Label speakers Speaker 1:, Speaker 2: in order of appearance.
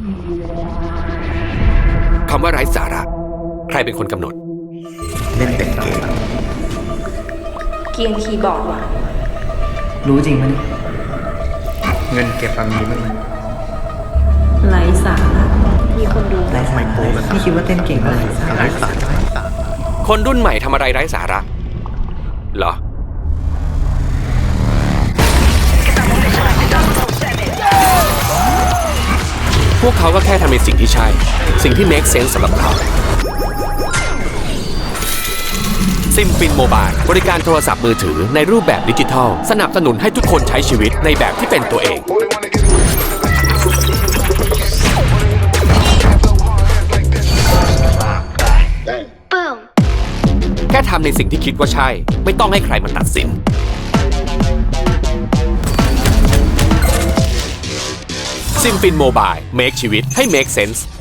Speaker 1: คำว่าไร้สาระใครเป็นคนกำหนด
Speaker 2: เล่นแต่เกม
Speaker 3: เกียงคีย์บอร์ดว่ะ
Speaker 2: รู้จริงไหมเงินเก็บมีบ้างไหม
Speaker 3: ไร้สาระมีคนดู
Speaker 2: ไร้สาระไม่คิดว่าเต้นเก่งเลยไร้สาระ
Speaker 1: คนรุ่นใหม่ทำอะไรไร้สาระเหรอพวกเขาก็แค่ทำในสิ่งที่ใช่สิ่งที่ make sense สำหรับเขาซิมฟินโมบายบริการโทรศัพท์มือถือในรูปแบบดิจิทัลสนับสนุนให้ทุกคนใช้ชีวิตในแบบที่เป็นตัวเองแค่ทำในสิ่งที่คิดว่าใช่ไม่ต้องให้ใครมาตัดสินซิมฟินโมบาย make ชีวิตให้ make sense